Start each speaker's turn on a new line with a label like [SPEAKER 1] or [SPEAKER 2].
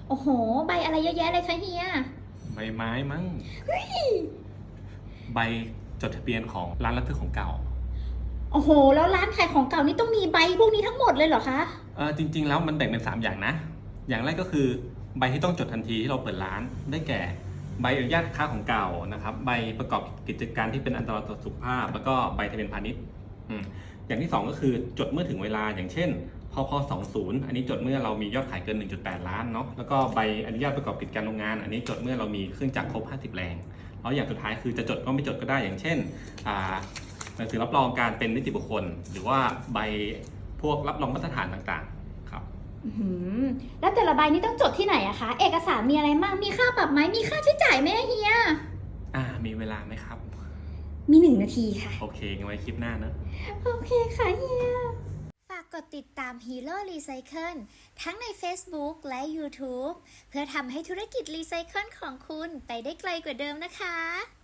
[SPEAKER 1] โอ้โหใบอะไรเยอะแยะเลยคะเฮีย
[SPEAKER 2] ใบไม้มั้งใบจดทะเบียนของร้านรับซื้อของเก่า
[SPEAKER 1] โอ้โหแล้วร้านขายของเก่านี่ต้องมีใบพวกนี้ทั้งหมดเลยเหรอคะ
[SPEAKER 2] จริงๆแล้วมันแบ่งเป็น3อย่างนะอย่างแรกก็คือใบที่ต้องจดทันทีที่เราเปิดร้านได้แก่ใบอนุญาตค้าของเก่านะครับใบประกอบกิจการที่เป็นอันตรายต่อสุขภาพแล้วก็ใบทะเบียนพาณิชย์อย่างที่2ก็คือจดเมื่อถึงเวลาอย่างเช่นพพ20อันนี้จดเมื่อเรามียอดขายเกิน 1.8 ล้านเนาะแล้วก็ใบอนุญาตประกอบกิจการโรงงานอันนี้จดเมื่อเรามีเครื่องจักรครบ50แรงแล้วอย่างสุดท้ายคือจะจดก็ไม่จดก็ได้อย่างเช่นหนังสือรับรองการเป็นนิติบุคคลหรือว่าใบพวกรับรองมาตรฐานต่างๆครับ
[SPEAKER 1] แล้วแต่ละใบนี่ต้องจดที่ไหนอะคะเอกสารมีอะไรบ้างมีค่าปรับไหมมีค่าใช้จ่ายไหมเฮีย
[SPEAKER 2] มีเวลาไหมครับ
[SPEAKER 1] มี1 นาทีค่ะ
[SPEAKER 2] โอเคงั้นไว้คลิปหน้านะ
[SPEAKER 1] โอเคค่ะเฮีย
[SPEAKER 3] ฝากกดติดตาม Hero Recycle ทั้งใน Facebook และ YouTube เพื่อทำให้ธุรกิจรีไซเคิลของคุณไปได้ไกลกว่าเดิมนะคะ